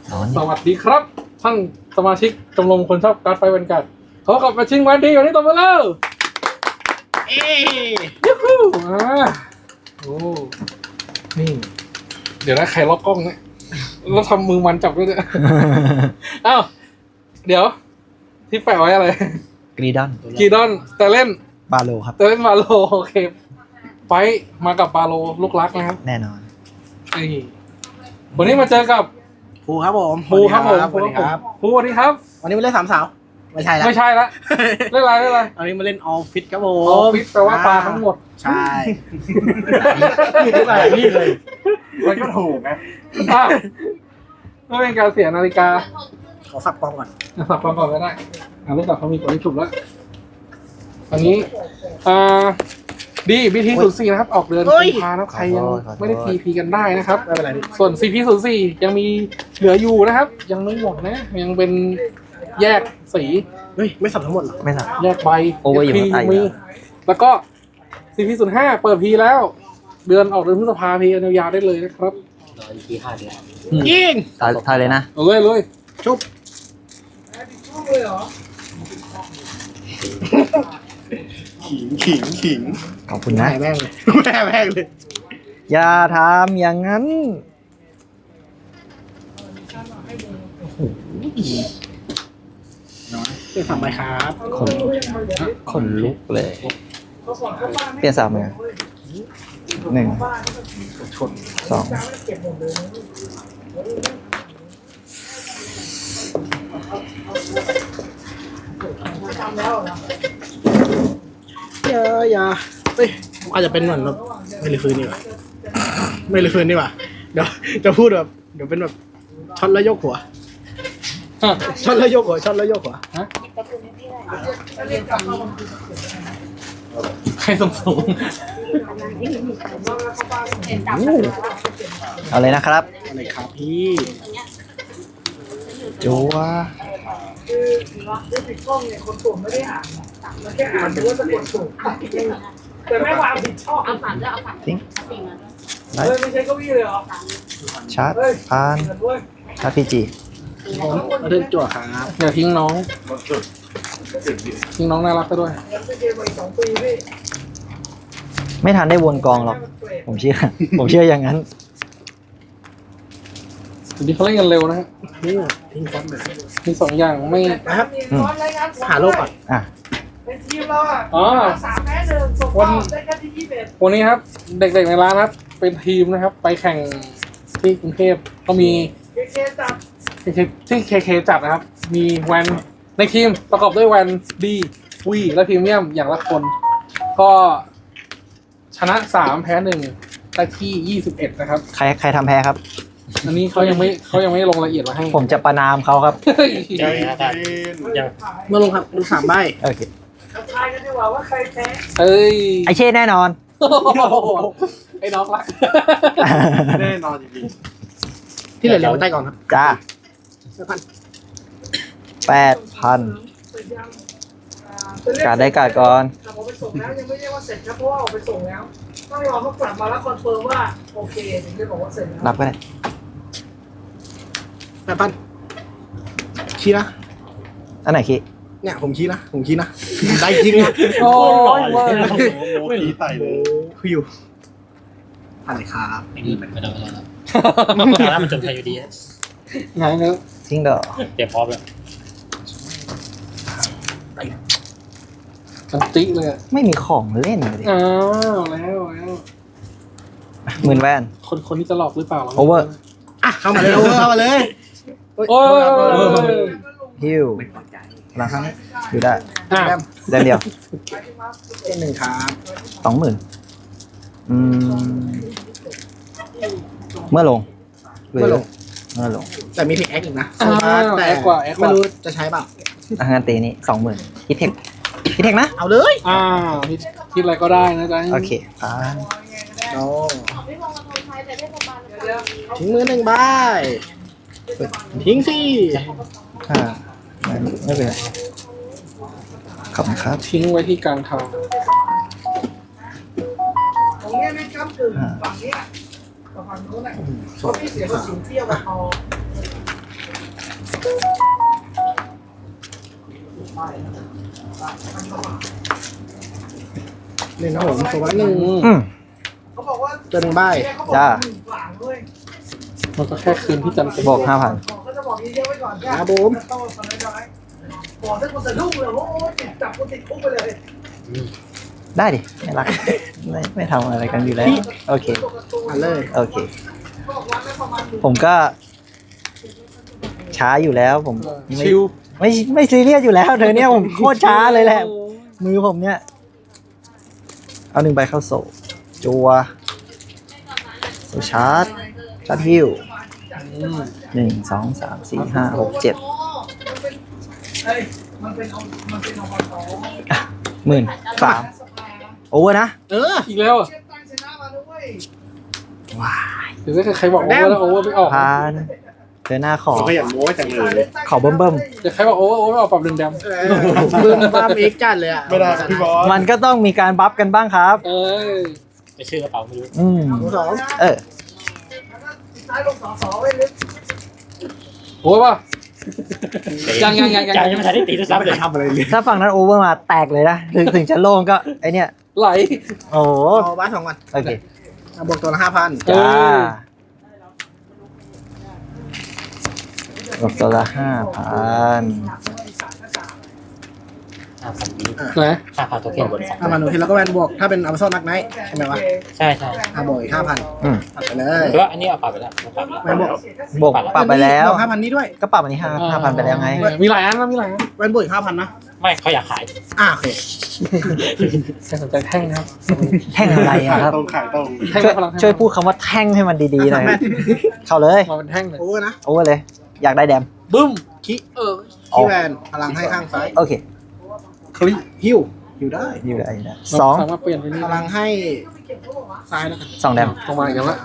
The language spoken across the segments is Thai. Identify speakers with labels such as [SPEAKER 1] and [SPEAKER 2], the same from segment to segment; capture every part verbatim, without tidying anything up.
[SPEAKER 1] สวัสดีครับท่านสมาชิกชมรมคนชอบการ์ดไฟแวนการ์ดเขากลับมาชิงวันดีวันนี้ต่อมาแล้วเอ้ยูฮูอ่าโอ้นี่เดี๋ยวนะใครล็อกกล้องเนี่ยแล้วทำมือมันจับด้วยเนี่ยอ้าวเดี๋ยวที่แปะไว้อะไร
[SPEAKER 2] กรีดอน
[SPEAKER 1] กรีดอนแต่เล่น
[SPEAKER 2] บาโลครับ
[SPEAKER 1] แต่เล่นบาโลโอเคไฟมากับบาโลลูกรักนะครับ
[SPEAKER 2] แน่นอน
[SPEAKER 1] วันนี้มาเจอกับ
[SPEAKER 3] ภูครับผม
[SPEAKER 1] ภูครับผมภู
[SPEAKER 3] ครับ
[SPEAKER 1] ภูสวัสดีครับ
[SPEAKER 3] วันนี้มาเล่นสามสาวไม่ใช่แล้ว
[SPEAKER 1] ไม่ใช่ละเล่นอะไรเล่นอะไร
[SPEAKER 3] วันนี้มาเล่นออฟฟิศครับผ
[SPEAKER 1] มออฟฟิศแปลว่าปลาทั้งหมด
[SPEAKER 3] ใช่อะไรนี่เลยมันก็ถูกนะ
[SPEAKER 1] ไม่เป็นการเสียนาฬิกา
[SPEAKER 3] ขอสับปองก่อน
[SPEAKER 1] สับปองก่อนก็ได้อ่าลูกสับเขามีกฎที่ถูกแล้วอันนี้อ่าดีบีทีศูนย์สี่นะครับออกเดือนกุมภาพันธ์นะใครยังไม่ได้ทีพีกันได้นะครับ
[SPEAKER 3] ไม่เป็นไร
[SPEAKER 1] ส่วนซีพีศูนย์สี่ยังมีเหลืออยู่นะครับยังไม่หมดนะยังเป็นแยกสี
[SPEAKER 3] เฮ้ยไม่สับทั้งหมดหรอ
[SPEAKER 2] ไม่สับ
[SPEAKER 1] แยกใบ
[SPEAKER 2] โอเวอร์อยู่ข้างใต้มี
[SPEAKER 1] แล้วก็ซีพีศูนย์ห้าเปิดพีแล้วเดือนออกเดือนพฤษภาพียาวๆได้เลยนะครับ
[SPEAKER 3] รออีกทีห้าเดือน
[SPEAKER 1] ยิง
[SPEAKER 2] ตายทายเลยนะ
[SPEAKER 1] เลยเลย
[SPEAKER 3] ชุบขิงขิงขิง
[SPEAKER 2] ขอบคุณนะ
[SPEAKER 3] แม่งเลยแม่แม่งเลย
[SPEAKER 2] อย่าทำอย่างนั้น
[SPEAKER 3] เป็นสามใบครับ
[SPEAKER 2] คนคนลุกเลยเปลี่ยนสามเลยหนึ่งสอง
[SPEAKER 3] อย่าอย่าเฮ้ยอาจจะเป็นเหมือนแบบไม่รีคืนนี่หว่าไม่รีคืนนี่หว่าเดี๋ยวจะพูดแบบเดี๋ยวเป็นแบบช็อตแล้วยกหัวช็อตแล้วยกหัวช็อตแล้วยกหัวฮะ
[SPEAKER 1] ใครส่งสูง
[SPEAKER 2] เอาเลยนะครับ
[SPEAKER 3] อะไรครับพี่
[SPEAKER 2] จัว
[SPEAKER 4] คือด้วยติดกล้องเนี่ยคนส่งไม่ได้อ่านมันแค่อ่านดูว่าจะกดส่งแต่ไม่ความผิดชอบเอาฝันด้วยเอาฝัน
[SPEAKER 2] ทิ้ง
[SPEAKER 4] เฮ้ยไม่ใช่เก้าอี้เลยเหรอ
[SPEAKER 2] ชาร์จพานชาร์จพีจี
[SPEAKER 3] เรื่องจั่วครับ
[SPEAKER 1] อย่าทิ้งน้องทิ้งน้องน่ารักก็ด้วย
[SPEAKER 2] ไม่ทันได้วนกองหรอกผมเชื่อผมเชื่ออย่างนั้น
[SPEAKER 1] ทีนี้เขาเล่นกันเร็วนะฮะ
[SPEAKER 3] ทิ้งทิ้งฟอนต์เลย
[SPEAKER 1] มีสองอย่างไม่
[SPEAKER 3] นะครับหาโลกก่อน
[SPEAKER 2] อ่ะ
[SPEAKER 4] เป็นทีมเราอ่ะ
[SPEAKER 1] อ๋อ
[SPEAKER 4] สามแพ้หนึ่งส่งเข้าได้แค่ที่ยี่สิบเอ็ด
[SPEAKER 1] วันนี้ครับเด็กๆในร้านครับเป็นทีมนะครับไปแข่งที่กรุงเทพก็มี
[SPEAKER 4] เคเคจัด
[SPEAKER 1] ที่เคเคจัดนะครับมีแวนในทีมประกอบด้วยแวนดีวีและพรีเมียมอย่างละคนก็ชนะสามแพ้หนึ่งได้ที่ยี่สิบเอ็ดนะครับ
[SPEAKER 2] ใครใครทำแพ้ครับ
[SPEAKER 1] อันนี้เขายังไม่เขายังไม่ลงรายละเอียดมาให้
[SPEAKER 2] ผมจะประนามเขาครับ
[SPEAKER 3] ยังยังเมื่อลงครับดูสามใบ
[SPEAKER 2] โอเค
[SPEAKER 4] ทายกันดีกว่าว่าใครแพ้
[SPEAKER 1] เอ้ย
[SPEAKER 2] ไอเช่แน่นอน
[SPEAKER 1] ไอ้น้องรัก
[SPEAKER 3] แน่นอนจริงๆที่เหลือเรียงไว้ใต้ก่อนครับ
[SPEAKER 2] จ้า
[SPEAKER 3] แปดพัน
[SPEAKER 2] แปดพันการได้การก่อน
[SPEAKER 4] แต่ผมไปส่งแล้วยังไม่เรียกว่าเสร็จครับเพราะว่าออกไปส่งแล้วต้องรอเขากลับมาแล้วคอนเฟิร์มว่าโอเคถึงจะบอกว่าเสร็จแล้ว
[SPEAKER 2] รับก็ได้
[SPEAKER 3] แปดพันชี้นะ
[SPEAKER 2] อันไหนขี้
[SPEAKER 3] เนี่ยผมชี้นะผมชี้นะได้จริงนะ
[SPEAKER 1] โอ้ยโ
[SPEAKER 3] อ้ยขี้ไตเลยคืออยู่พันเลยครับ
[SPEAKER 5] ไอ้นี่มันไม่ต้องแล้วแล้วมันจนไทยอยู่ดี
[SPEAKER 1] ไงเนอะ
[SPEAKER 2] ทิ้งดอก
[SPEAKER 5] เตรียมพร้อมแล้ว
[SPEAKER 1] มันติ๊กเลย
[SPEAKER 2] ไม่มีของเล่นเลย
[SPEAKER 1] อ้าวแล้วแล้ว
[SPEAKER 2] หมื่นแว่น
[SPEAKER 1] คนคนนี้จะหลอกหรือเปล่า
[SPEAKER 2] โอเวอร์
[SPEAKER 3] อ่ะเข้ามาเลยโอเวอร์เข้ามาเลย
[SPEAKER 1] โอ้ย
[SPEAKER 2] ฮิวหลังครั้งอยู่ได้
[SPEAKER 1] เดิ
[SPEAKER 2] นเดียว
[SPEAKER 3] หนึ่งครับ
[SPEAKER 2] สองหมื่นอืมเมื่อลงเมื่อลงเมื่อลง
[SPEAKER 3] แต่มีเพกแอคอีกนะ
[SPEAKER 1] แต่กว่า
[SPEAKER 3] ไม่รู้จะใช้เปล่า
[SPEAKER 2] อาหารตีนี้สองหมื่นคิดเทคคิดเทคนะ
[SPEAKER 3] เอาเลย
[SPEAKER 1] อ่าคิดอะไรก็ได้นะจ๊ะ
[SPEAKER 2] โอเคอ่า
[SPEAKER 3] โอ้ทิ้งมือหนึ่งใบทิ้งสิ
[SPEAKER 2] อ่าไม่เป็นไรขอบคุณครับ
[SPEAKER 1] ทิ้งไว้ที่กลางทาง
[SPEAKER 4] ตรงนี้ไม่ก้ำกึ่งฝั่งนี้กับฝั่งโน้นแหละเขาไม่เสียภาษีเที่ยวกับพอ
[SPEAKER 3] เล่นนะผมตัวละหนึ่ง
[SPEAKER 2] อืม
[SPEAKER 4] เขาบอกว่า
[SPEAKER 3] ตัวหนึ่งใบ
[SPEAKER 2] จ้า
[SPEAKER 1] มันก็แค่คืนที่จันทร์
[SPEAKER 2] บอกห้าพัน
[SPEAKER 4] เขาจะบอกเยอะๆไว้ก่อนแค่
[SPEAKER 3] ครับผม
[SPEAKER 4] ต้องสนใจบอกถ้าคนสะดุ้งเลยโอ้ติดจับคนติดคุกไปเลย
[SPEAKER 2] ได้ดิไม่รักไม่ไม่ทำอะไรกันอยู่แล้ว โอเค
[SPEAKER 3] อ่านเลย
[SPEAKER 2] โอเค ผมก็ช้าอยู่แล้วผมไม่
[SPEAKER 1] ชิว
[SPEAKER 2] ไม่ไม่ซีเรียสอยู่แล้วเธอเนี่ยผมโคตรช้าเลยแหละ มือผมเนี่ย เอาหนึ่งใบเข้าโซ่จัวโซ่ชาร์จชาร์จฮิวหนึ่งสองสามสี่ห้าหกเจ็ด
[SPEAKER 4] เฮ้ยมันเป็นเอามันเป็นเอาต่อ
[SPEAKER 2] หมื่นสามโอเวอร์นะ
[SPEAKER 3] เออ
[SPEAKER 1] อีกแล้วอ่ะ
[SPEAKER 4] เช็ดตั้งชนะมาด้วย
[SPEAKER 2] ว้าย
[SPEAKER 1] หรือถ้าใครบอกโอเวอร์แล้วโอเวอร์ไม่ออก
[SPEAKER 2] พานเธอหน้าขอ
[SPEAKER 6] เขาอยากโม้จังเลย
[SPEAKER 2] ขอเบิ่มเบิ่ม
[SPEAKER 1] แต่ใครบอกโอเวอร์โอเวอร์ไม่ออกปรับหนึ่งแดม
[SPEAKER 3] บึ้มบ้ามเอ็กจัดเลยอ่ะ
[SPEAKER 6] ไม่ได้ครับพี่บอส
[SPEAKER 2] มันก็ต้องมีการบัฟกันบ้างครับ
[SPEAKER 1] เอ้ย
[SPEAKER 5] ไม่ชื่อกระเป๋าไม่รู้
[SPEAKER 2] อืม
[SPEAKER 3] สอง
[SPEAKER 2] เออ
[SPEAKER 4] ซ้ายลงสอสอไว้ลึก
[SPEAKER 1] โอ้ป่ะยังยังยังยัง
[SPEAKER 5] ยังยังไม่ทันได้ตีด้วยซ้ำเลย
[SPEAKER 3] ทำอะไรเลย
[SPEAKER 2] ถ้าฝั่งนั้นโอเวอร์มาแตกเลยนะ ถึงถึงจะโล่งก็ไอเนี่ย
[SPEAKER 1] ไหล
[SPEAKER 2] โอ้โห
[SPEAKER 3] เอาบ้านสองวัน
[SPEAKER 2] โอเค
[SPEAKER 3] อ่ะบวกตัวละห้าพัน
[SPEAKER 1] เอ
[SPEAKER 2] จ้า
[SPEAKER 1] อ
[SPEAKER 2] ลบตัวละห้าพัน
[SPEAKER 5] ห้าพันนี้
[SPEAKER 1] ไหน
[SPEAKER 5] ห้าพันตัวเค็นบนสอง
[SPEAKER 3] ห้าพันหนูทีแล้วก็แวนบวกถ้าเป็นอัลฟาโซนักไนท์ใช่ไหมวะ
[SPEAKER 5] ใช่ใช่
[SPEAKER 3] อ่ะบวกอีกห้าพัน
[SPEAKER 2] อืม
[SPEAKER 3] ตัดไปเลย
[SPEAKER 5] หรือว่าอันนี้เอาปรับไปแล้วเอาปรับไป
[SPEAKER 3] แวนบวก
[SPEAKER 2] บวกปรับไปแล้ว
[SPEAKER 3] บวกห้าพันนี้ด้วย
[SPEAKER 2] ก็ปรับอันนี้ห้าห้าพันไปแล้วไง
[SPEAKER 1] มีหลายอันนะมีหลายอัน
[SPEAKER 3] แวนบวกอีกห้าพันนะ
[SPEAKER 5] ไม่เขาอยากขาย
[SPEAKER 3] อ่ะโอเค
[SPEAKER 1] ใครสนใจแท่งนะครับ
[SPEAKER 2] แท่งอะไรอะ
[SPEAKER 6] ขาย
[SPEAKER 2] ครับ
[SPEAKER 6] ตรงขายตรง
[SPEAKER 1] แท่ง
[SPEAKER 2] ช่วย
[SPEAKER 1] พลัง
[SPEAKER 2] ช่วยพูดคำว่าแท่งให้มันดีๆหน่อย เข้าเลย
[SPEAKER 1] มาเป็นแท่งเลย
[SPEAKER 3] โอเวอร์นะ
[SPEAKER 2] โอเวอร์เลย อยากได้แดม
[SPEAKER 1] บึ้ม
[SPEAKER 3] คิ
[SPEAKER 1] เออ
[SPEAKER 3] คีแวนพลังให้ข้างซ้าย
[SPEAKER 2] โอเค
[SPEAKER 1] คลิ
[SPEAKER 3] ฮิวฮิวได้
[SPEAKER 2] อยู่ได้อยู่ได้สอง
[SPEAKER 1] สามารถเปลี่ยนไปนี่
[SPEAKER 3] พลังให้ซ้ายแล้วกัน
[SPEAKER 2] สองแดม
[SPEAKER 1] ลงมาอีกแล้วละ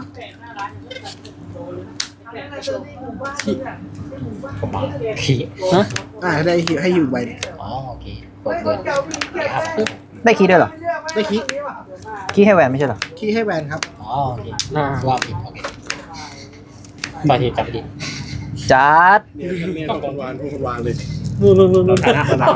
[SPEAKER 5] ผมมาขี่
[SPEAKER 1] ฮะ
[SPEAKER 3] อ่าได้ฮิวให้ฮิวใบหนึ่ง
[SPEAKER 5] อ๋อโอเคเปิดเงินห้าพัน
[SPEAKER 2] ได้คีย์ด้วยเหรอ
[SPEAKER 3] ได้คี
[SPEAKER 2] คีย์ให้แหวนไม่ใช่เหรอ
[SPEAKER 3] คีให้แวนครับ
[SPEAKER 5] อ๋อโอเค
[SPEAKER 1] อ่า
[SPEAKER 5] ว่าผิดโอเคบางทีจับไปดิ
[SPEAKER 2] จัด
[SPEAKER 6] เนี่ยเนี่ยต้องคนวานคนวานเลย
[SPEAKER 1] นู่นนู่นนู่นนู่น
[SPEAKER 6] ประนาม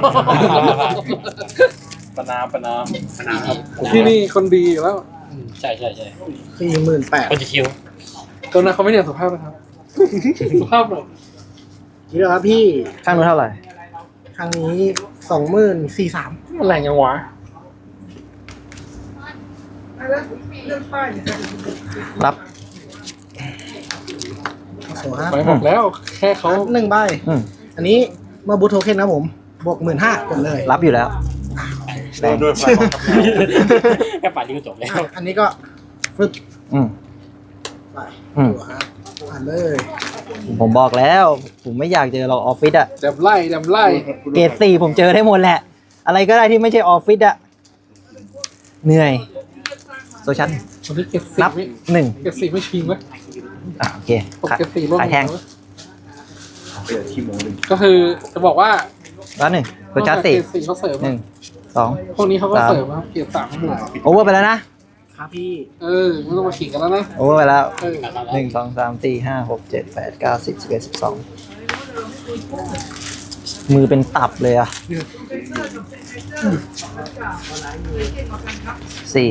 [SPEAKER 6] ประนามประนามประนามครับ
[SPEAKER 1] ที่นี่คนดีอยู่แล้ว
[SPEAKER 5] อืมใช่ใช่ใช่
[SPEAKER 3] คือหมื่นแปด
[SPEAKER 5] คนจะคิว
[SPEAKER 1] ตัวนั้นเขาไม่เนี่ยสุภาพนะครับ สุภาพหน่อย
[SPEAKER 3] นี่แล้วครับพี่
[SPEAKER 2] ข้างนู้นเท่าไหร่
[SPEAKER 3] ครั้งนี้สองหมื่นสี่สาม
[SPEAKER 1] มันแรงยังวะ
[SPEAKER 4] แล้วเรื่องป้ายเนี่ย
[SPEAKER 2] รับ
[SPEAKER 3] โซ่ครับ
[SPEAKER 1] ไปบอกแล้ว แค่เขา
[SPEAKER 3] หนึ่งใบ
[SPEAKER 2] อืม
[SPEAKER 3] อันนี้เมื่อบูทโทเค็นนะผม บวกหมื่นห้ากดเลย
[SPEAKER 2] รับอยู่แล้ว
[SPEAKER 6] โดยด้วยพลังของกำลัง
[SPEAKER 5] แค่ป่านนี้ก็จบแล้ว
[SPEAKER 3] อ่ะอันนี้ก็ฟึบ
[SPEAKER 2] อืม
[SPEAKER 3] ไป
[SPEAKER 2] อืม
[SPEAKER 3] ตัวฮะอ่านเลย
[SPEAKER 2] ผมบอกแล้ว ผมไม่อยากเจอเราออฟฟิศอะ
[SPEAKER 1] แดมไล่แดมไล่
[SPEAKER 2] เกรดสี่ผมเจอได้หมดแหละ อะไรก็ได้ที่ไม่ใช่ออฟฟิศอะเหนื่อยโซชัน
[SPEAKER 1] วันนี้เก็บสี่
[SPEAKER 2] นับ
[SPEAKER 1] ไม่
[SPEAKER 2] หนึ่ง
[SPEAKER 1] เก็บสี่ไม่ชิงไหม
[SPEAKER 2] อ่ะโอเค
[SPEAKER 1] ผม
[SPEAKER 2] ขาย
[SPEAKER 1] เก็บสี่ร่วม
[SPEAKER 2] ขายแทง
[SPEAKER 6] เปลี่ยนที่โมงหนึ่ง
[SPEAKER 1] ก็คือจะบอกว่า
[SPEAKER 2] แล้วหนึ่งโซชันสี่
[SPEAKER 1] เก็บสี่เขาเสริม
[SPEAKER 2] หนึ่งสอง
[SPEAKER 1] พวกนี้เขาก็
[SPEAKER 2] สาม
[SPEAKER 1] เสริมครับเกียรติสามทั้งหมด
[SPEAKER 2] โอเวอร์ไปแล้วนะ
[SPEAKER 3] ครับพี่
[SPEAKER 1] เออไม่ต้องมาขิงกันแล้วนะ
[SPEAKER 2] โอเวอร์ไปแล้ว
[SPEAKER 1] เออ
[SPEAKER 2] หนึ่งสองสามสี่ห้าหกเจ็ดแปดเก้าสิบสิบเอ็ดสิบสองมือเป็นตับเลยอะสี่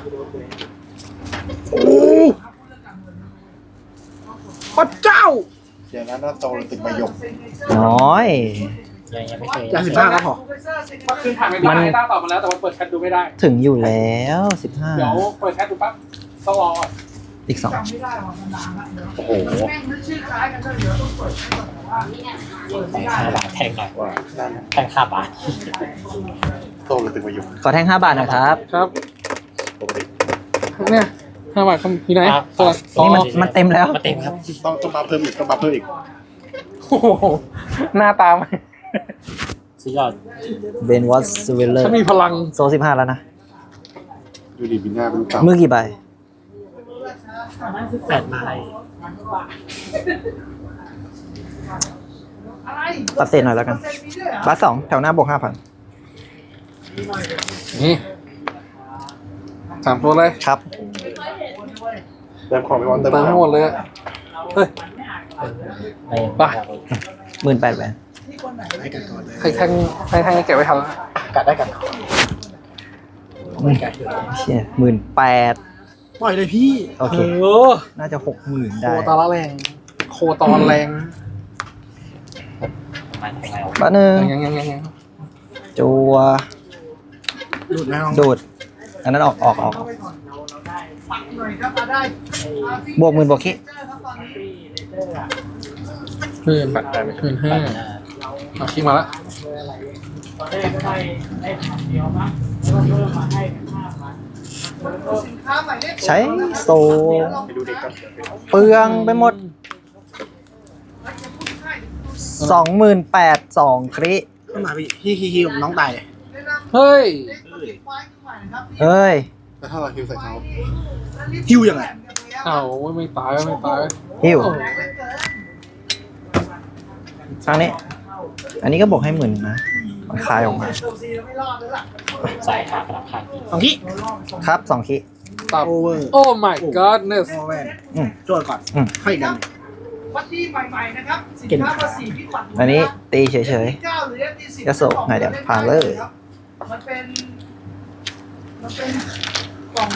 [SPEAKER 3] พระเจ้า
[SPEAKER 6] เดี๋ยวนั้นหน้าโตเราติดมายก
[SPEAKER 2] น้อย
[SPEAKER 5] ยังยังไม่เคย
[SPEAKER 3] อย่าสิบห้าก็พอ
[SPEAKER 1] เมื่อคืนถ่ายไม่ได้ต้าตอบมาแล้วแต่ว่าเปิดแชทดูไม่ได้
[SPEAKER 2] ถึงอยู่แล้วสิบห้า
[SPEAKER 1] เดี๋ยวเปิดแชทดูปั๊บต้องรอก่อน
[SPEAKER 2] อีกสอง
[SPEAKER 4] จำไม่ได้หรอกมันนานละเดี๋ยว
[SPEAKER 5] โอ้โห
[SPEAKER 4] แม่งนึกชื่อคล้ายกันก็เดี๋ยวต้องเปิดให้ก่อนแต่ว่าเปิด
[SPEAKER 5] แท
[SPEAKER 4] ไม่
[SPEAKER 5] ง
[SPEAKER 4] ได้
[SPEAKER 5] ห้าบาทแทงหน่อย
[SPEAKER 6] ว่าด้าน
[SPEAKER 5] แทงห้าบาท
[SPEAKER 6] โตเราติดมายก
[SPEAKER 2] ขอแท่งห้าบาทนะครับ
[SPEAKER 1] ครับ
[SPEAKER 6] ปกติ
[SPEAKER 1] เนี่ยห้าบาทคำที่ไหนสลัด
[SPEAKER 2] นี่มันมันเต็มแล้ว
[SPEAKER 5] มาเต็มครับ
[SPEAKER 6] ต้องต้องมาเพิ่มอีกต้องมาเพิ่มอีก
[SPEAKER 1] โอ้โหหน้าตามัน
[SPEAKER 5] สุดยอด
[SPEAKER 2] เบนวอสเวลเลอ
[SPEAKER 1] ฉัน
[SPEAKER 2] ร์
[SPEAKER 1] มีพลัง
[SPEAKER 2] โซสิบห้าแล้วนะ
[SPEAKER 6] ดูดิบินหน้าเป็นเก่า
[SPEAKER 2] มือกี่ใบ
[SPEAKER 5] แปดไม้
[SPEAKER 4] อะไร
[SPEAKER 2] ตัดเศษหน่อยแล้วกัน
[SPEAKER 4] เซ็นมีด้วยเหรอ
[SPEAKER 2] บัสสองแถวหน้าบวกห้าพัน
[SPEAKER 1] นี่สามตัวเลย
[SPEAKER 2] ครับ
[SPEAKER 6] เติมของไปวันเติม
[SPEAKER 1] เติมให้หมดเลยอะเฮ้ย
[SPEAKER 5] ไม่
[SPEAKER 1] ไป
[SPEAKER 2] หมื่นแปดแหวน
[SPEAKER 3] ไปกันก่อนเลย
[SPEAKER 1] ใครแทงใครแทงเก็บไว้ทันแล้ว
[SPEAKER 5] กัดได้กัด
[SPEAKER 3] ไม่ไกล
[SPEAKER 2] เชี่ยหมื่นแปด
[SPEAKER 3] ปล่อยเลยพี่
[SPEAKER 2] โอเค
[SPEAKER 1] เออ
[SPEAKER 2] น่าจะหกหมื่น
[SPEAKER 1] โค
[SPEAKER 2] ได้
[SPEAKER 1] ตรละแรง โคตรแรง
[SPEAKER 5] ทำไมทำไมเอา
[SPEAKER 2] บ้านหนึ่ง
[SPEAKER 1] ยังยังยังยัง
[SPEAKER 2] จัว
[SPEAKER 3] ดูดไหมน้อง
[SPEAKER 2] ดูด อันนั้นออกออกออก
[SPEAKER 4] ปักหน่อยครับมาได้
[SPEAKER 2] บวกหมื่นบวกคิ
[SPEAKER 1] หมื่นแปดหมื่นห้าเอาขี้มาละ
[SPEAKER 4] ตอนแรกก็ได้ได้พันเดียวมั้งแล้วก็เพิ่มมาให้เป็นห้าพันสินค้าใหม่เลข
[SPEAKER 2] ใช้โซ
[SPEAKER 6] ไปดูเด็กก่อน
[SPEAKER 2] เปลืองไปหมดสองหมื่นแปดสองคริ
[SPEAKER 3] ขึ้นมาพี่ฮิฮิฮิน้องตายเลย
[SPEAKER 1] เฮ้ย
[SPEAKER 2] เฮ้ย
[SPEAKER 6] แล้วถ้าเราฮิวใส่เขา
[SPEAKER 3] ฮิวยังไง
[SPEAKER 1] เอ้าไม่ตายไม่ตาย
[SPEAKER 2] ฮิว
[SPEAKER 1] โอ้
[SPEAKER 2] ครั้งนี้ อันนี้ก็บอกให้หมื่นนะ มันคลายออกมา
[SPEAKER 5] ใส่หากระดับพัน
[SPEAKER 3] สองที่
[SPEAKER 2] ครับสองคิ
[SPEAKER 1] ตับ
[SPEAKER 3] โอเวอร์
[SPEAKER 1] โอ้ my godness
[SPEAKER 3] โอเวอร์
[SPEAKER 2] อืม
[SPEAKER 3] โจทย์ก่อน
[SPEAKER 2] อืม
[SPEAKER 3] ค่อยอีกดัน
[SPEAKER 4] วัตถุใหม่ๆนะครับสินค้าภาษีพิบัติ
[SPEAKER 2] อันนี้ตีเฉย
[SPEAKER 4] เก้าหรือ เอฟ ดี สิบ
[SPEAKER 2] กระโสกไหนเดี๋ยวผ่านเลย
[SPEAKER 4] มันเป็นมันเป็นกล่อง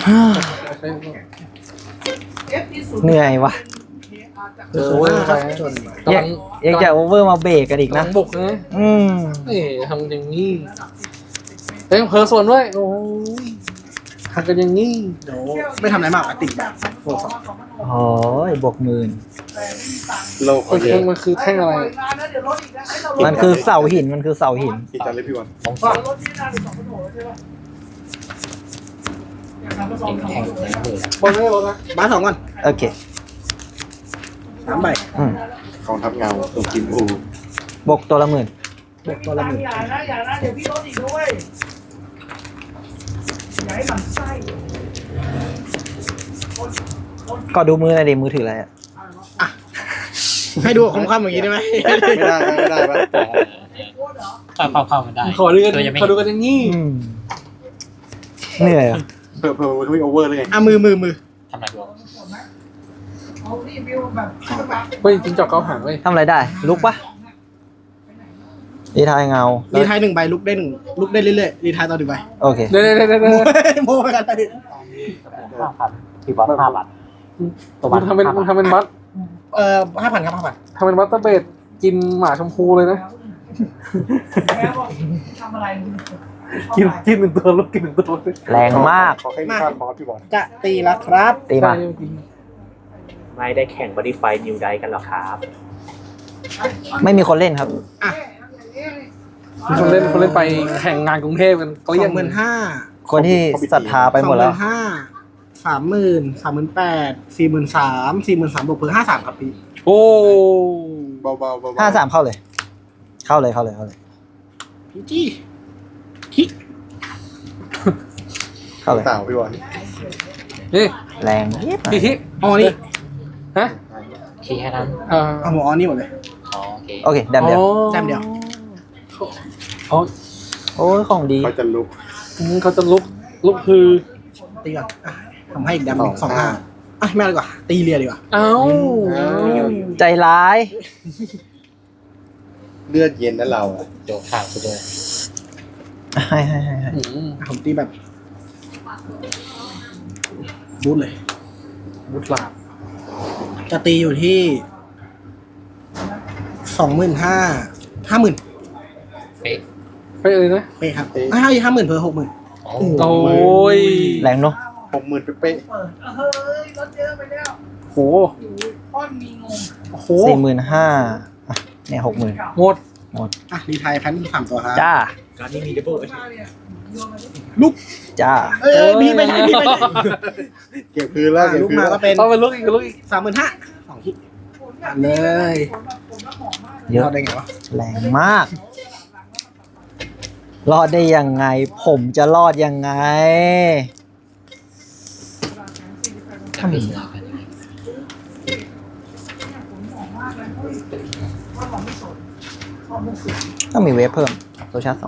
[SPEAKER 2] ๆ
[SPEAKER 4] เอฟ ดี ศูนย์
[SPEAKER 2] เหนื่อยวะ
[SPEAKER 3] เออว่าครับโจทย์
[SPEAKER 2] อยากอยากจะโอเวอร์มาเบรกกันอีก
[SPEAKER 1] นั
[SPEAKER 2] นะ
[SPEAKER 1] งบุกนะ
[SPEAKER 2] อืม
[SPEAKER 1] นี่ทำอย่างนี้เต็มเพอร์ส่วนด้วยโอ้ยทำกันอย่างนี้
[SPEAKER 3] เดี๋ยวไม่ทำอะไรมากอะติดแบบโฟร์สอง
[SPEAKER 2] โอ้ยบวกหมื่น
[SPEAKER 6] โลก
[SPEAKER 1] มั
[SPEAKER 6] เขา
[SPEAKER 1] น
[SPEAKER 6] เย
[SPEAKER 1] คือ
[SPEAKER 6] อะ
[SPEAKER 1] มันคือแท่งอะไร
[SPEAKER 2] มันคือเสาหิน มันคือเสาหิน
[SPEAKER 6] กี่จานเลยพี่วัน
[SPEAKER 5] ต้อง
[SPEAKER 4] ว่า
[SPEAKER 5] ใส่
[SPEAKER 4] รถที่นานเป็นสองพันหกใช่ป่ะอยากทำผส
[SPEAKER 5] เอ
[SPEAKER 4] ม
[SPEAKER 5] ง
[SPEAKER 4] สอง
[SPEAKER 5] แทง
[SPEAKER 4] พันหก
[SPEAKER 5] แทงมือ
[SPEAKER 1] บอลไม่ได้รถนะ
[SPEAKER 3] บ้านสองก่อน
[SPEAKER 2] โอเค
[SPEAKER 3] สามใบ
[SPEAKER 2] อืม
[SPEAKER 6] กองทัพเงาตัวกิมอู
[SPEAKER 2] บวกตัวละหมื่น
[SPEAKER 3] บวกตัวละหมื่น
[SPEAKER 4] อย่านะอย่านะเดี๋ยวพี่รถอีกด้วยอย่าให้มันไส้
[SPEAKER 2] ก็ดูมือหน่อยดิมือถืออะไรอ่ะ
[SPEAKER 3] ให้ดูคมๆอย่างนี้ได้ไหม
[SPEAKER 6] ไม่ได้ไม่ได้ปะ
[SPEAKER 5] เข้าเข้าเข้ามันได้
[SPEAKER 1] ขอดูกัน
[SPEAKER 5] ตัวยังไม่
[SPEAKER 1] ขอดูกันอย่างนี้
[SPEAKER 2] อืมเหนื่อยอ่ะ
[SPEAKER 6] เพิ่มเพิ่มไม่โอเวอร์เลยไง
[SPEAKER 3] อ่ะมือมือมือ
[SPEAKER 5] ทำอะไรดู
[SPEAKER 4] เอารีวิวแบบ
[SPEAKER 1] เฮ้ยจริงจอกเกาหางเว้ย
[SPEAKER 2] ทำอะไรได้ ลุกปะดีทายเงา
[SPEAKER 3] รีไทายหนึ่งใบลุกได้หนึ่งลุกได้เรื่อยๆรีไทายต่อหนึ่งใบ
[SPEAKER 2] โอเค
[SPEAKER 1] เดี๋ยวเดี๋ยวเดี๋ยวเดี๋ยว
[SPEAKER 3] โมไปกันเลย
[SPEAKER 5] ห้าพันที่บอสห้าบาทตัว
[SPEAKER 1] มึ
[SPEAKER 5] บาง
[SPEAKER 1] ทำเป็นมึงทำเป็นบัต
[SPEAKER 3] เอ่อห้าพันครับห้าพัน
[SPEAKER 1] ทำเป็นบัตเตอร์เบดกินหมาชมพูเลยนะ
[SPEAKER 4] แม่บอกทำอะไรมึง
[SPEAKER 1] กินกินหนึ่งตัวลูกกินหนึ่งตัวเลย
[SPEAKER 2] แรงมาก
[SPEAKER 6] ขอให้มีค่าคอร์สพี่บอล
[SPEAKER 3] จะตีแล้วครับ
[SPEAKER 2] ตีมา
[SPEAKER 1] ใช่จริง
[SPEAKER 5] ไม่ได้แข่งบอดี้ไฟนิวไดกันหรอครับ
[SPEAKER 2] ไม่มีคนเล่นครับ
[SPEAKER 3] อ่ะ
[SPEAKER 1] มีคนเล่นคนเล่นไปแข่งงานกรุงเทพกัน
[SPEAKER 3] ส
[SPEAKER 1] เกลี้
[SPEAKER 3] อย ง
[SPEAKER 1] ง
[SPEAKER 3] หมื่นห้า
[SPEAKER 2] คนที่ศรัทธาไปหมดแล้ว
[SPEAKER 3] สองนห้าสามหมื่นสามหมื่นแปดสี่หมื่นสามสี่หมื่นสามบวกเพิ่มห้าสามครับพี่
[SPEAKER 1] โอ้
[SPEAKER 6] เบาๆเบาๆ
[SPEAKER 2] ห้าสามเข้าเลย เข้าเลยเข้าเลยเข้าเลย
[SPEAKER 3] พี่จี้คิ
[SPEAKER 2] เข้าเลย
[SPEAKER 6] เต่าพี่บอล
[SPEAKER 1] นี่
[SPEAKER 2] แรงเย็บ
[SPEAKER 1] พี่ทิ
[SPEAKER 3] อ๋อนี่
[SPEAKER 1] ฮะ
[SPEAKER 5] คีแค่นั้น
[SPEAKER 1] เอ่อ
[SPEAKER 3] เอาหมออ๋อนี่หมดเลย
[SPEAKER 5] อ๋อโอเค
[SPEAKER 2] โอเคแดมเดียว
[SPEAKER 3] แต้มเดียว
[SPEAKER 1] อ๋อ
[SPEAKER 2] โอ้ยของดี
[SPEAKER 6] เขาจะลุก
[SPEAKER 1] อืมเขาจะลุกลุกคือ
[SPEAKER 3] ตีก่อนอ่ะทำให้อีกแดมหนึ่งสองห้าอ่ะไม่เอาดีกว่า ตีเรียดีกว่า
[SPEAKER 1] เอ้า
[SPEAKER 2] ใจร้าย
[SPEAKER 6] เลือดเย็นนะเราอะ
[SPEAKER 5] โจกข้างกูด้วย
[SPEAKER 2] ให้ให้ให้ให้
[SPEAKER 1] อืม
[SPEAKER 3] อ่ะผมตีแบบบูทเลย
[SPEAKER 1] บุตรหลาบ
[SPEAKER 3] จะตีอยู่ที่สองหมื่นห้าห้าหมื่น
[SPEAKER 5] เป๊ะ
[SPEAKER 1] ไปเลยนะ
[SPEAKER 3] เป๊ะครับอ่ะให้ห้าหมื่นเพิ่มหกหมื่น
[SPEAKER 5] โอ้
[SPEAKER 1] โอ้ย
[SPEAKER 2] แรงเนาะ
[SPEAKER 6] หกหมื่นเป๊ะ
[SPEAKER 4] เปิดเฮ้ยรถเยอะไปแล้ว
[SPEAKER 1] โห
[SPEAKER 4] ป้อนมีงง
[SPEAKER 1] โอ้โห
[SPEAKER 2] สี่หมื่นห้าเนี่ยหกหมื่น
[SPEAKER 1] หมด
[SPEAKER 3] อ่ะรีไทายแพนสามตัวครับ
[SPEAKER 2] จ้า
[SPEAKER 5] การนี้มีดับเบิล
[SPEAKER 3] ลุก
[SPEAKER 2] จ้า
[SPEAKER 3] เอ้ยพี่ไม่ใช่พี่ไม่ใช่
[SPEAKER 6] ๆเก็บคืนแล้ว
[SPEAKER 3] อ่ะ
[SPEAKER 6] เก็บ
[SPEAKER 3] ลุก
[SPEAKER 6] คืน
[SPEAKER 3] มา
[SPEAKER 6] แล้ว
[SPEAKER 3] ก็เป็น
[SPEAKER 1] เอาไปลุกอีกลุกอีก
[SPEAKER 3] สามหมื่นห้าสองที่เลย
[SPEAKER 2] เยอะ
[SPEAKER 3] รอดได้ไงวะ
[SPEAKER 2] แรงมาก รอดได้ยังไง ผมจะรอดยังไงถ้ามีถ้ามีเวฟเพิ่มโซชาร์จสอง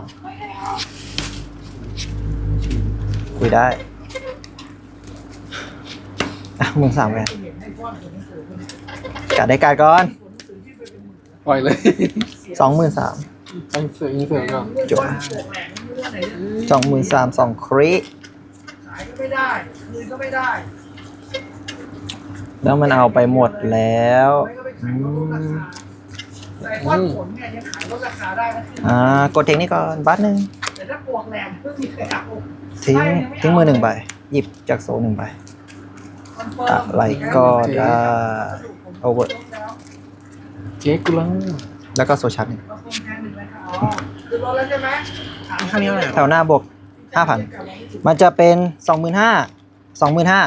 [SPEAKER 2] คุยได้ อ่ะมึงสามแวนกัดได้กัดก่อน
[SPEAKER 1] ปล่อยเลย
[SPEAKER 2] สองหมื่นสาม
[SPEAKER 1] ตั้งเสียงเสียงก่อน
[SPEAKER 2] จบสองหมื่นสามสองคริ
[SPEAKER 4] ายก็ไม่ได้คืนก็ไม่ได้
[SPEAKER 2] แล้วมันเอาไปหมดแล้ว
[SPEAKER 4] ไม่ก็ไปขายลดราคาแต่ว่าผลเนี่ยยังขายลดราคาได้นะ
[SPEAKER 2] อ่ากดเทคนี่ก่อนบัตรหนึ่ง
[SPEAKER 4] แต่ถ้าปวกแหลมก็มีใครเอา
[SPEAKER 2] ทิ้งทิ้งมือหนึ่งใบหยิบจากโซนหนึ่งใบอะไรก็ได้โอเวอร์
[SPEAKER 1] เจ๊กูแล้ว
[SPEAKER 2] แล้วก็โซชาร์จหนึ่ง
[SPEAKER 4] คือลดแล้วใช่ไหม
[SPEAKER 3] ข้างนี้เท่าไหร่
[SPEAKER 2] แถวหน้าบวกห้าพันมันจะเป็นสองหมื่นห้าสองหมื่นห้า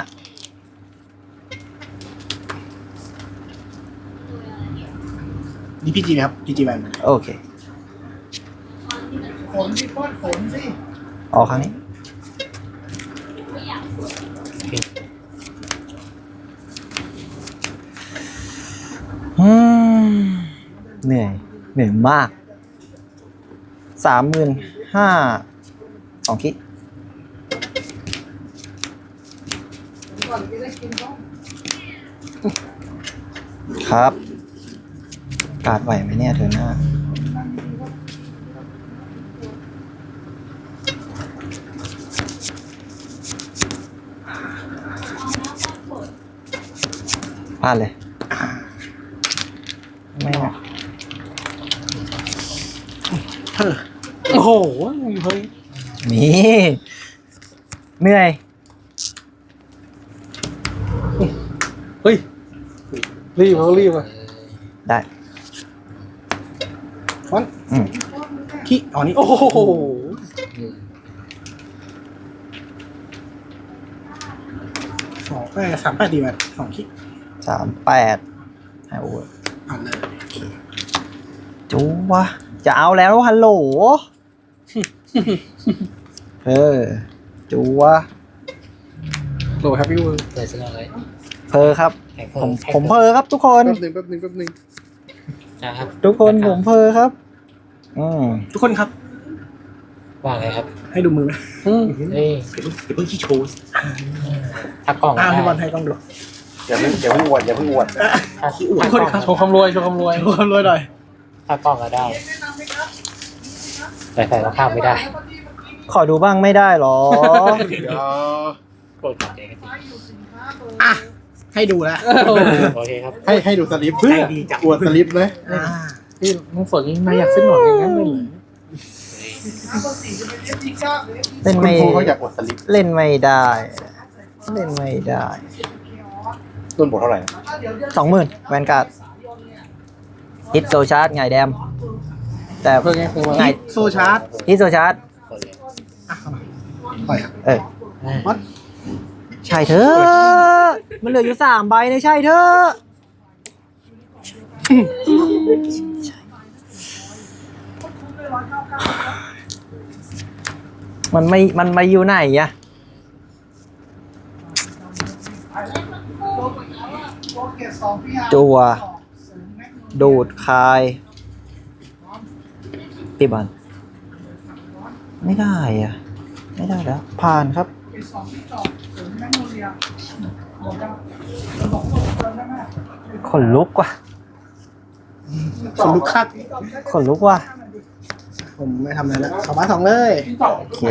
[SPEAKER 3] นี่พีจีไหมครับพีจีแบน
[SPEAKER 2] โอเค
[SPEAKER 4] ผลที่ป้อนผลสิ
[SPEAKER 2] ออกครั้งนี้อืมเหนื่อย เหนื่อยมาก สามหมื่นห้า สองคิด
[SPEAKER 4] ก่อนจะได้กินต้อง
[SPEAKER 2] ครับ การดไหวไหมเนี่ยเธอหน้า พลาดเลย ไม่นะ
[SPEAKER 1] โอ้โหเฮ้ย
[SPEAKER 2] มี เหนื่อย
[SPEAKER 1] เฮ้ยรีบเขารีบอ่ะ
[SPEAKER 2] ได้
[SPEAKER 3] ฟอน
[SPEAKER 2] อืม
[SPEAKER 3] ขี้อ๋อนี่
[SPEAKER 1] โอ้โห
[SPEAKER 3] สองแปดสามแปดดีแบนสองขี้
[SPEAKER 2] สามแปดให้โอเวอร์
[SPEAKER 3] อ่านเลย
[SPEAKER 2] จูวะ จะเอาแล้วฮัลโหล เออ จูวะ
[SPEAKER 1] โหลแฮปปี้เวิร์
[SPEAKER 5] เปิดเสื้อเลย
[SPEAKER 2] เพอครับ
[SPEAKER 5] แข่ง
[SPEAKER 2] ผม
[SPEAKER 5] แข่ง
[SPEAKER 2] ผมเพอครับทุกคน
[SPEAKER 6] แป๊บหนึงแป๊บหนึงแป๊บหนึง
[SPEAKER 5] นะครับ
[SPEAKER 2] ทุกคนผมเพอครับ อืม
[SPEAKER 3] ทุกคนครับ
[SPEAKER 5] ว่าไงครับ
[SPEAKER 3] ให้ดูมือไหม
[SPEAKER 1] อืม
[SPEAKER 5] เฮ้ย
[SPEAKER 3] เดี๋ยวเพิ่งขี้โชว์
[SPEAKER 5] ถ้ากล่อง
[SPEAKER 3] อ้าว
[SPEAKER 5] ได้
[SPEAKER 3] ให้บอลให้กล้องดู
[SPEAKER 6] อย่าเพิ่งอย่าเพิ่งอวดอย่าเพิ่งอวด
[SPEAKER 5] ถ้า
[SPEAKER 3] ขี้อวด
[SPEAKER 5] ถ้า
[SPEAKER 3] คน
[SPEAKER 5] กล่อง
[SPEAKER 3] ครับ
[SPEAKER 1] โชว์ความรวยโชว์ความรวย
[SPEAKER 3] รวยรวยหน่อย
[SPEAKER 5] ถ้ากล่องก็ได้แต่ใส่รองเท้าไม่ได้
[SPEAKER 2] ขอดูบ้างไม่ได้หรอ
[SPEAKER 6] เดี๋ยว
[SPEAKER 5] โปรดเจ๊กัน
[SPEAKER 3] อ่ะให้ดูแล้ว
[SPEAKER 5] โอเคครับ
[SPEAKER 6] ให้ให้ดูสลิปเพื่อ
[SPEAKER 3] ใจดีจัง
[SPEAKER 6] อวดสลิปไหม
[SPEAKER 3] อ่า
[SPEAKER 1] พี่น้องสดยิ่งนายอยากเส้นหนอนอย่างนั้นเลยเหรอ
[SPEAKER 2] เล่น
[SPEAKER 6] คุณ
[SPEAKER 2] ไม่
[SPEAKER 6] ครูเขาอยากอวดสลิป
[SPEAKER 2] เล่นไม่ได้ เล่นไม่ได้
[SPEAKER 6] ต้นบทเท่าไหร่นะ
[SPEAKER 2] สองหมื่นแวนการ์ดฮิตโซชาร์จไงแดม แต่
[SPEAKER 1] เพื่อนไงคือว่า
[SPEAKER 2] ไง
[SPEAKER 3] โซชาร์จ
[SPEAKER 2] ฮิตโซชาร์จ
[SPEAKER 5] เปิดเลย
[SPEAKER 3] อ่ะเข้ามาปล่อยครับ
[SPEAKER 2] เออ
[SPEAKER 3] วัด
[SPEAKER 2] ใช่เธอ มันเหลืออยู่สามใบเนี่ยใช่เธอ มันไม่ มันมาอยู่ไหนอะจัว ดูดคาย ตีบอลไม่ได้อะไม่ได้แล้ว ผ่านครับ ขนลุกว่ะ
[SPEAKER 3] ขนลุกคัก
[SPEAKER 2] ขนลุกว่ะ
[SPEAKER 3] ผมไม่ทำอะไรแล้วสองบาทสองเลย
[SPEAKER 2] โอเค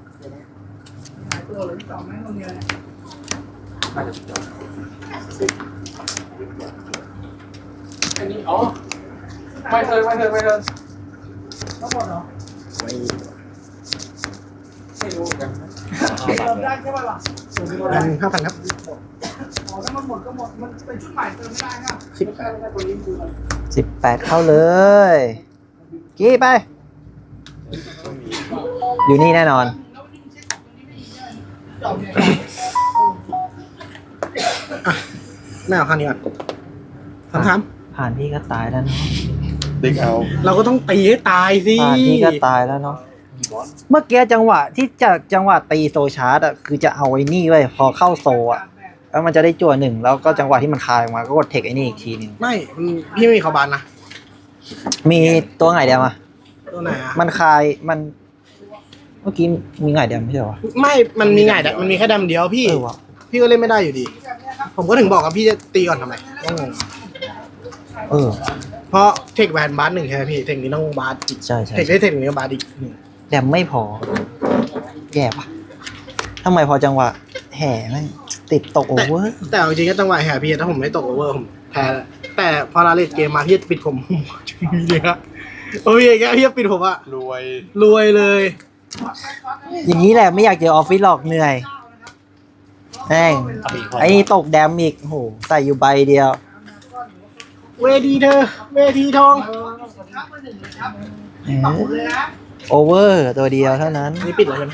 [SPEAKER 1] อันนี้อ๋อไม่เธอไม่เธอไม่เธอ ไม่รู้เหมือนกัน
[SPEAKER 4] ได้ใช่ป่ะล่ะ
[SPEAKER 3] พันห้าพันครับ
[SPEAKER 4] อ๋อถ้ามันหมดก็หมดมันเป็นชุดใหม่เติมไม่ได้นะ
[SPEAKER 3] สิบแปด
[SPEAKER 2] สิบแปดเข้าเลย กี้ไป อยู่นี่แน่นอน
[SPEAKER 3] ไม่เอาข้างนี้ก่อนสามสาม
[SPEAKER 2] ผ่านพี่ก็ตายแล้วเนาะ
[SPEAKER 6] เด็กเอา
[SPEAKER 3] เราก็ต้องตีให้ตายสิ
[SPEAKER 2] ผ่านพี่ก็ตายแล้วเนาะ เมื่อกี้จังหวะที่จะจังหวะตีโซชาร์ดอะคือจะเอาไอ้นี่ไว้พอเข้าโซอะแล้วมันจะได้จั่วหนึ่งแล้วก็จังหวะที่มันคายออกมาก็กดเทคไอ้นี่อีกทีหนึง
[SPEAKER 3] ไม่มันพี่ไม่มีเขาบานนะ
[SPEAKER 2] มีตัวไงเดียวมา
[SPEAKER 3] ตัวไหนอ่ะ
[SPEAKER 2] มันคายมัน เมื่อกี้มีไงเดียวไม่ใช่เหรอวะ
[SPEAKER 3] ไม่ มันมีไงแต่มันมีแค่ดำเดียวพี่
[SPEAKER 2] เออวะ
[SPEAKER 3] พี่ก็เล่นไม่ได้อยู่ดี ผมก็ถึงบอกว่าพี่จะตีก่อนทำไมก็งง
[SPEAKER 2] เออ
[SPEAKER 3] เพราะเทคแวนบาสหนึ่งใช่ไหมพี่ เทคนี้ต้องบาสอีก
[SPEAKER 2] ใช่ใช่
[SPEAKER 3] เทคได้เทคนี้ก็บาสอีกหนึ่ง
[SPEAKER 2] แดมไม่พอ แย่ปะทำไมพอจังหวะแห่แม่งติดตกโอเวอร์
[SPEAKER 3] แต่เอาจริงๆก็จังหวะแห่พี่ถ้าผมไม่ตกโอเวอร์ผมแพ้แล้วแต่พอเราเล่นเกมมาพี่จะปิดผม มีเลยครับโอ้ยอย่างเงี้ยพี่จะปิดผมอะ
[SPEAKER 6] รวย
[SPEAKER 3] รวยเลย
[SPEAKER 2] อย่างนี้แหละไม่อยากเจอออฟฟิศหรอกเหนื่อยแม่งไอ้นี่ตกแดมอีกโอ้โหใส่อยู่ใบเดียว
[SPEAKER 3] เวทีเธอเวทีทอง
[SPEAKER 2] โอเวอร์ตัวเดียวเท่านั้น
[SPEAKER 3] นี่ปิดแล้วใช่ไหม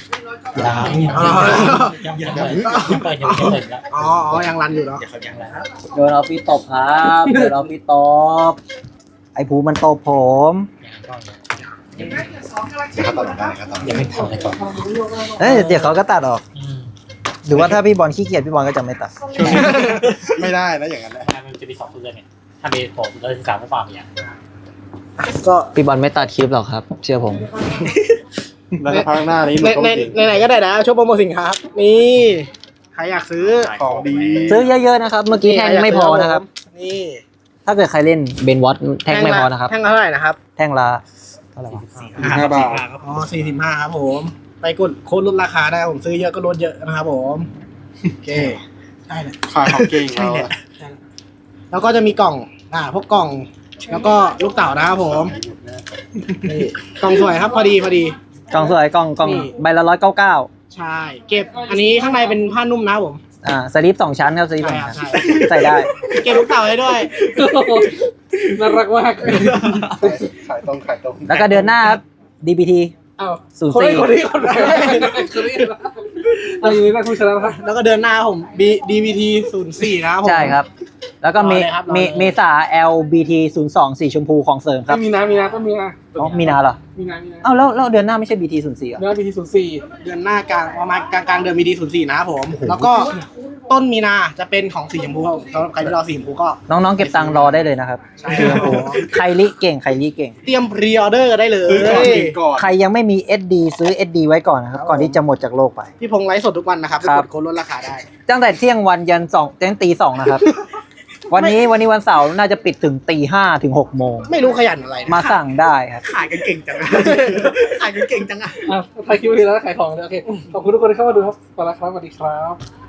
[SPEAKER 2] ยัง
[SPEAKER 3] อ๋อ
[SPEAKER 5] ยังยังยังเปิดยังไม่เปิดแล้ว
[SPEAKER 3] อ๋ออ๋อยังรันอยู่เนาะ
[SPEAKER 2] โดนออฟฟิศตบครับโดนออฟฟิศตบไอ้ภูมันตบผม
[SPEAKER 6] เดี๋ยวเขาตัดออกได้ครับตัด
[SPEAKER 5] ยังไม่ทำอะไรก่อน
[SPEAKER 2] เอ้ยเดี๋ยวเขาก็ตัดออกหรือว่าถ้าพี่บอลขี้เกียจพี่บอลก็จะไม่ตัด
[SPEAKER 6] ไม่ได้นะอย่างนั้นนะ
[SPEAKER 5] มันจะมีสองเรื่องเนี่ยถ้ามีผมเราจะสามไม่ฟังอย่าง
[SPEAKER 3] ก็
[SPEAKER 2] พี่บอลไม่ตัดคลิปหรอกครับ เชื่อผม
[SPEAKER 6] แล้วพักหน้านี้ห
[SPEAKER 3] ใน
[SPEAKER 6] นูต้อง
[SPEAKER 3] ใน
[SPEAKER 6] จริง
[SPEAKER 3] ในไหนก็ได้นะช่วยโปรโมทสินค้านี่ใครอยากซื้อ
[SPEAKER 6] ของดี
[SPEAKER 2] ซื้อเยอะๆนะครับ เมื่อกี้แท่งไม่พอนะครับ
[SPEAKER 3] นี่
[SPEAKER 2] ถ้าเกิดใครเล่นเบนวอตแท่งไม่พอนะครับ
[SPEAKER 3] แท่งละเท่าไหร่นะครับ
[SPEAKER 2] แท่งละเท่าไหร่วะ
[SPEAKER 6] ห้าบาท
[SPEAKER 3] อ๋อสี่สิบห้าครับผม ไปกดโค้ดลดราคาได้ผมซื้อเยอะก็ลดเยอะนะครับผมโอเคใช่แหละ
[SPEAKER 6] ขายของเก่งเราอะ
[SPEAKER 3] แล้วก็จะมีกล่องอ่าพวกกล่อง แล้วก็ลูกเต๋านะครับผมนี่กล่องสวยครับพอดีพอดี
[SPEAKER 2] กล่องสวยกล่องกล่อง
[SPEAKER 3] นี่
[SPEAKER 2] ใบละร้อยเก้าเก้า
[SPEAKER 3] ใช่ เก็บอันนี้ข้างในเป็นผ้านุ่มนะครับผม
[SPEAKER 2] อ่าสลิปสองชั้นครับสลิปส
[SPEAKER 3] ใช่
[SPEAKER 2] อง
[SPEAKER 3] ครับ
[SPEAKER 2] ชั้น
[SPEAKER 3] ใช่
[SPEAKER 2] ใส่ได้
[SPEAKER 3] เก็บลูกเต๋าให้ด้วย
[SPEAKER 1] น่ารักมาก
[SPEAKER 6] ขายตรงขายตรง
[SPEAKER 2] แล้วก็เดือนหน้าครับ ดี บี ที
[SPEAKER 1] อ้าว
[SPEAKER 2] ศูนย์
[SPEAKER 1] คน
[SPEAKER 2] สี่
[SPEAKER 1] นี้คนนี้คนนี้คนนี้อันนี้นักผู้ชนะนะครับ
[SPEAKER 3] แล้วก็เดือนหน้าผม B ดี บี ที ศูนย์สี่นะครับผม
[SPEAKER 2] ใช่ครับ แล้วก็เม
[SPEAKER 3] รอเลยครับรอเลย
[SPEAKER 2] เมเมษา แอล บี ที ศูนย์สอง สีชมพูของเสริมครับ
[SPEAKER 1] มีนามีนาก็มีนา
[SPEAKER 2] อ๋อมีนาเหรอ
[SPEAKER 1] มีนามีนา
[SPEAKER 2] เอ้าแล้วแล้วเดือนหน้าไม่ใช่ บี ที ศูนย์สี่เหรอ
[SPEAKER 1] เนื้อพีทีศูนย์สี่
[SPEAKER 3] เดือนหน้ากลางประมาณกลางกลางๆเดือนมีดีศูนย์สี่นะครับผม แล้วก็ต้นมีนาจะเป็นของสีชมพูครับผมสำหรับใครที่รอสีชมพูก็
[SPEAKER 2] น้องๆเก็บตังค์รอได้เลยนะครับ
[SPEAKER 3] ใช่ครับผม
[SPEAKER 2] ใครลิเก่งใครลิเก่ง
[SPEAKER 3] เตรียมพรีออเดอร์ได้เลย
[SPEAKER 6] ซื้อก่อนกินก่อน
[SPEAKER 2] ใครยังไม่มี เอส ดี ซื้อ เอส ดี ไว้ก่อนนะครับ ก่อนที่จะหมดจากโลกไป
[SPEAKER 3] พี่พงษ์ไลฟ์สดทุกวันนะครับไป
[SPEAKER 2] ครั
[SPEAKER 3] ก
[SPEAKER 2] บ
[SPEAKER 3] ดโค้ดลดราคาได้
[SPEAKER 2] ตั้งแต่เที่ยงวันยันสองยันตีสองนะครับ วันนี้วันนี้วันเสาร์น่าจะปิดถึงตีห้าถึงหกโมง
[SPEAKER 3] ไม่รู้ขยันอะไรนะ
[SPEAKER 2] มาสั่งได้ครับ
[SPEAKER 3] ขายกันเก่งจังอะ ขายกันเก่งจังอะ
[SPEAKER 1] อ่ะใครคิดว่าดีแล้วขายของเลยโอเค ขอบคุณทุกคนที่เข้ามาดูครับขอบคุณครับสวัสดีครับ